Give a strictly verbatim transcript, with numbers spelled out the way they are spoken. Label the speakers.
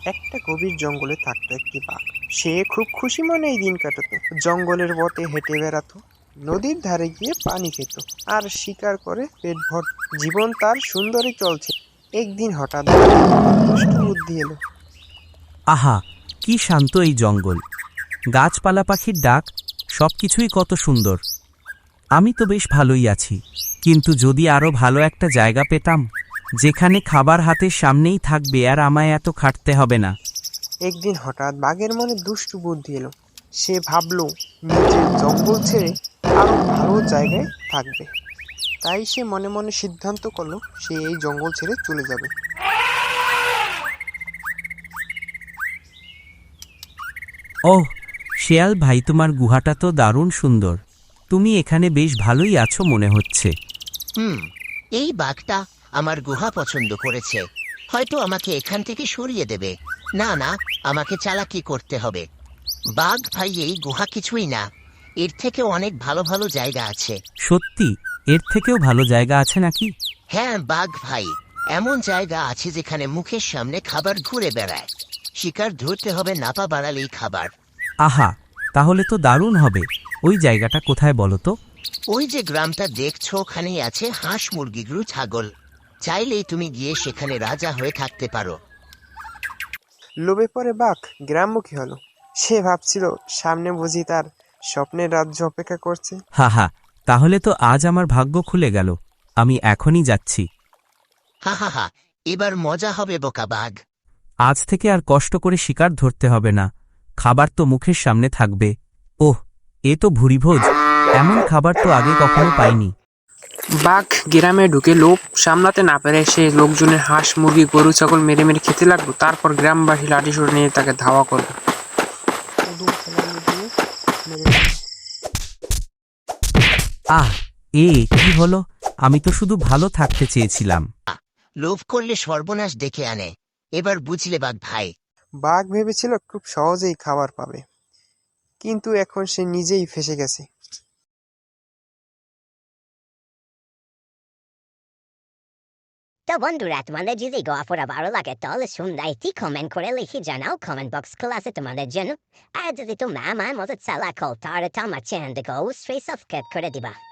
Speaker 1: একটা গভীর জঙ্গলে থাকতো একটি বাঘ। সে খুব খুশি মনে এই দিন কাটাতো। জঙ্গলের পথে হেঁটে বেড়াতো, নদীর ধারে গিয়ে পানি খেত আর শিকার করে পেট ভর। জীবন তার সুন্দরই চলছে। একদিন হঠাৎ দুষ্টু বুদ্ধি এলো।
Speaker 2: আহা, কি শান্ত এই জঙ্গল! গাছপালা, পাখির ডাক, সবকিছুই কত সুন্দর। আমি তো বেশ ভালোই আছি, কিন্তু যদি আরো ভালো একটা জায়গা পেতাম, যেখানে খাবার হাতের সামনেই থাকবে আর আমায় এত খাটতে হবে না।
Speaker 1: একদিন হঠাৎ বাঘের মনে দুষ্টু বুদ্ধি এলো। সে ভাবলো নিজের জঙ্গল ছেড়ে আরো ভালো জায়গায় থাকবে। তাই সে মনে মনে সিদ্ধান্ত করলো সে এই জঙ্গল ছেড়ে চলে যাবে।
Speaker 2: ওহ, শেয়াল ভাই, তোমার গুহাটা তো দারুণ সুন্দর। তুমি এখানে বেশ ভালোই আছো মনে হচ্ছে।
Speaker 3: হুম, এই বাঘটা আমার গুহা পছন্দ করেছে। হয়তো আমাকে এখান থেকে সরিয়ে দেবে। না না, আমাকে চালাকি করতে হবে। বাঘ ভাই, এই গুহা কিছুই না, এর থেকে অনেক ভালো ভালো জায়গা আছে।
Speaker 2: সত্যি? এর থেকেও ভালো জায়গা আছে নাকি?
Speaker 3: হ্যাঁ বাঘ ভাই, এমন জায়গা আছে যেখানে মুখের সামনে খাবার ঘুরে বেড়ায়। শিকার ধরতে হবে নাপা বাড়ালেই খাবার।
Speaker 2: আহা, তাহলে তো দারুণ হবে। ওই জায়গাটা কোথায় বলো তো?
Speaker 3: ওই যে গ্রামটা দেখছো, ওখানেই আছে হাঁস, মুরগি, গরু, ছাগল। চাইলেই তুমি গিয়ে সেখানে রাজা হয়ে থাকতে পারো।
Speaker 1: লোভে পড়ে বাঘ গ্রামমুখী হলো। সে ভাবছিল সামনে বুঝি তার স্বপ্নের রাজ্য অপেক্ষা করছে।
Speaker 2: হা হা, তাহলে তো আজ আমার ভাগ্য খুলে গেল। আমি এখনই যাচ্ছি।
Speaker 3: হা হা হা, এবার মজা হবে বোকা বাঘ।
Speaker 2: আজ থেকে আর কষ্ট করে শিকার ধরতে হবে না, খাবার তো মুখের সামনে থাকবে। ওহ, এ তো ভুরিভোজ! এমন খাবার তো আগে কখনো পাইনি।
Speaker 1: বাঘ গ্রামে ঢুকে লোভ সামলাতে না পেরে সে লোকজনের হাঁস, মুরগি, গরু, ছাগল মেরে মেরে খেতে লাগলো। তারপর গ্রামবাসী লাঠিসোঁটা নিয়ে তাকে ধাওয়া করলো।
Speaker 2: আহ, এ কি হলো? আমি তো শুধু ভালো থাকতে চেয়েছিলাম।
Speaker 3: লোভ করলে সর্বনাশ ডেকে আনে। এবার বুঝলে বাঘ ভাই।
Speaker 1: বাঘ ভেবেছিল খুব সহজেই খাবার পাবে, কিন্তু এখন সে নিজেই ফেঁসে গেছে।
Speaker 4: তো বন্ধুরা, তোমাদের যদি গল্পটা ভালো লাগে তাহলে সুন্দর কমেন্ট করে লিখে জানাও। কমেন্ট বক্স খোলা আছে তোমাদের জন্য। আর যদি তোমরা আমার মতো চালাক হও তাহলে তো আমার চ্যানেলটাকে অবশ্যই সাবস্ক্রাইব করে দিবা।